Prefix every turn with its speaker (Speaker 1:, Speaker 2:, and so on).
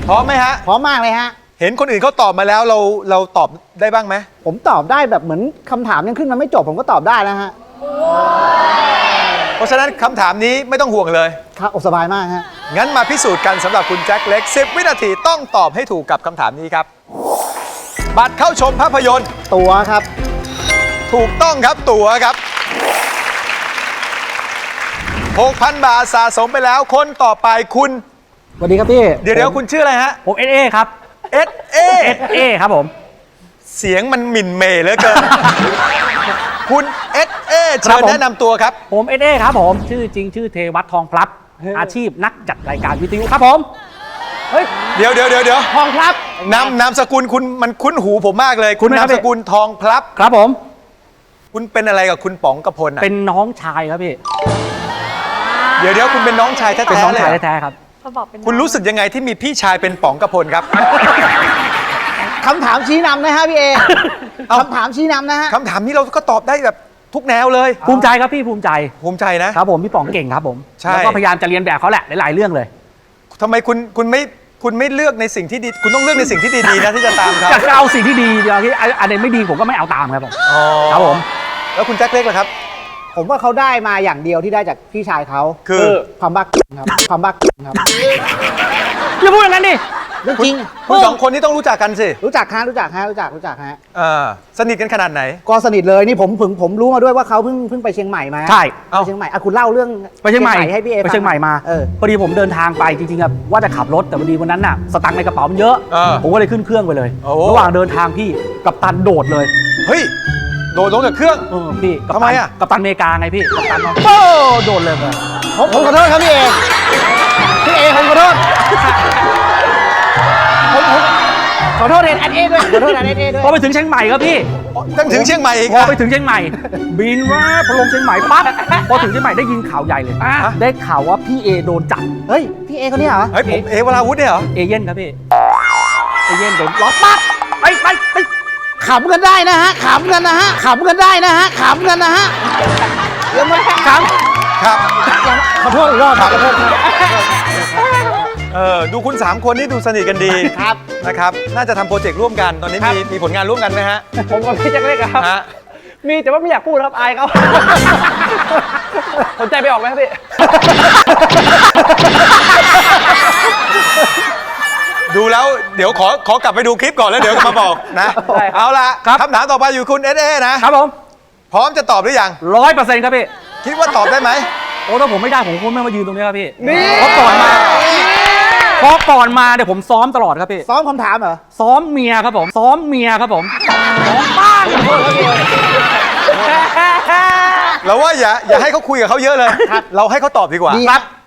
Speaker 1: พร้อมไหมฮะ
Speaker 2: พร้อมมากเลยฮะ
Speaker 1: เห็นคนอื่นเขาตอบมาแล้วเราตอบได้บ้างไหม
Speaker 2: ผมตอบได้แบบเหมือนคำถามยังขึ้นมาไม่จบผมก็ตอบได้แล้วฮะ
Speaker 1: เพราะฉะนั้นคำถามนี้ไม่ต้องห่วงเลย
Speaker 2: ครับสบายมากฮะ
Speaker 1: งั้นมาพิสูจน์กันสำหรับคุณแจ็คเล็ก10 วินาทีต้องตอบให้ถูกกับคำถามนี้ครับบัตรเข้าชมภาพยนตร์
Speaker 2: ตั๋วครับ
Speaker 1: ถูกต้องครับตั๋วครับ 6,000 บาทสะสมไปแล้วคนต่อไปคุณ
Speaker 2: สวัสดีครับพี่
Speaker 1: เดี๋ยวคุณชื่ออะไรฮะ
Speaker 3: ผมเอครับ
Speaker 1: เอ
Speaker 3: ครับผม
Speaker 1: เสียงมันหมิ่นเมย์เหลือเกิน คุณเชิญแนะนำตัวครับ
Speaker 3: ผมเอครับผมชื่อจริงชื่อเทวัฒน์ทองพลับอาชีพนักจัดรายการวิทยุครับผม
Speaker 1: เฮ้ยเดี๋ยว
Speaker 3: ทองพลับ
Speaker 1: นามสกุลคุณมันคุ้นหูผมมากเลยคุณนามสกุลทองพลับ
Speaker 3: ครับผม
Speaker 1: คุณเป็นอะไรกับคุณป๋องกพล
Speaker 3: เป็นน้องชายครับพี่
Speaker 1: เดี๋ยวคุณเป็นน้องชายแท้ๆ
Speaker 3: เป็นน้องชายแท้ๆครับ
Speaker 1: คุณรู้สึกยังไงที่มีพี่ชายเป็นป๋องกพลครับ
Speaker 2: คำถามชี้นำนะฮะพี่เอคำถามชี้นำนะฮะ
Speaker 1: คำถามนี้เราก็ตอบได้แบบทุกแนวเลย
Speaker 3: ภูมิใจครับพี่ภูมิใจ
Speaker 1: นะครับ
Speaker 3: ผมพี่ป๋องเก่งครับผม
Speaker 1: แล้ว
Speaker 3: ก็พยายามจะเรียนแบบเขาแหละหลายๆเรื่องเลย
Speaker 1: ทำไมคุณไม่เลือกในสิ่งที่ดีคุณต้องเลือกในสิ่งที่ดีๆนะที่จะตามเขา
Speaker 3: จะเอาสิ่งที่ดีเดี๋ยวที่อันไหนไม่ดีผมก็ไม่เอาตามครับผมครับผม
Speaker 1: แล้วคุณแจ็คเล็กล่ะครับ
Speaker 2: ผมว่าเขาได้มาอย่างเดียวที่ได้จากพี่ชายเขา
Speaker 1: คือ
Speaker 2: ความบักครับความบักครับ
Speaker 3: อย่าพูดอย่างนั้นดิ
Speaker 2: เรื่องจริง
Speaker 1: คุณสองคนนี้ต้องรู้จักกันสิ
Speaker 2: รู้จักฮะ
Speaker 1: สนิทกันขนาดไหน
Speaker 2: ก็สนิทเลยนี่ผมรู้มาด้วยว่าเขาเพิ่งไปเชียงใหม่มา
Speaker 3: ใช่
Speaker 2: เชียงใหม่คุณเล่าเรื่อง
Speaker 3: ไปเชียงใหม่
Speaker 2: ให้พี่เอ
Speaker 3: ไปเชียงใหม่มาพอดีผมเดินทางไปจริงๆครับว่าจะขับรถแต่พอดีวันนั้นน่ะสตังค์ในกระเป๋ามันเยอะผมก็เลยขึ้นเครื่องไปเลยระหว่างเดินทางพี่กัปตันโดดเลย
Speaker 1: เฮ้ยโดดลงจากเครื่อง
Speaker 3: พี่
Speaker 1: ทำไมอ่ะ
Speaker 3: กัปตันอเมริกาไงพี่กัปตันโดดเลย
Speaker 2: ผมขอโทษครับพี่เอผมขอโทษผมขอโทษเอด้วยขอโทษเอด้วย
Speaker 3: พอไปถึงเชียงใหม่ครับพี่
Speaker 1: ต้องถึงเชียงใหม่อีก
Speaker 3: พอไปถึงเชียงใหม่บินว่าพอลงเชียงใหม่ปั๊บพอถึงเชียงใหม่ได้ยินข่าวใหญ่เลยได้ข่าวว่าพี่เอโดนจับ
Speaker 2: เฮ้ยพี่เอคนนี้เหรอ
Speaker 1: เฮ้ยผมวราวุธเนี่ยเหรอ
Speaker 3: เอเย่นครับพี่เอเย่นโดนล็อกปั๊บไป
Speaker 2: ขำกันได้นะฮะขำกันได้นะฮะยังไม่
Speaker 1: ครับ
Speaker 2: ขอโทษอีกรอบขอโทษ
Speaker 1: ดูคุณ3คนนี่ดูสนิทกันดี
Speaker 2: ครับ
Speaker 1: นะครับน่าจะทำโปรเจกต์ร่วมกันตอนนี้มีผลงานร่วมกันไหมฮะ
Speaker 3: ผมกับพี่แจ็คเล็กครับมีแต่ว่าไม่อยากพูดครับอายเขาสนใจไปออกไหมครับพี่
Speaker 1: ดูแล้วเดี๋ยวขอกลับไปดูคลิปก่อนแล้วเดี๋ยวมาบอกนะเอาละคำถามต่อไปอยู่คุณนะครับ
Speaker 3: ผม
Speaker 1: พร้อมจะตอบหรือยัง
Speaker 3: 100%ครับพี่
Speaker 1: คิดว่าตอบได้ไหม
Speaker 3: โอ้ถ้าผมไม่ได้ผมคงไม่มายืนตรงนี้ครับพี่เพราะก่อนมาเดี๋ยวผมซ้อมตลอดครับพี่
Speaker 2: ซ้อมคำถามเหรอ
Speaker 3: ซ้อมเมียครับผมซ้อมบ้าน
Speaker 1: เราว่าอย่าให้เขาคุยกับเขาเยอะเลยเราให้เขาตอบดีกว่า
Speaker 2: ครับ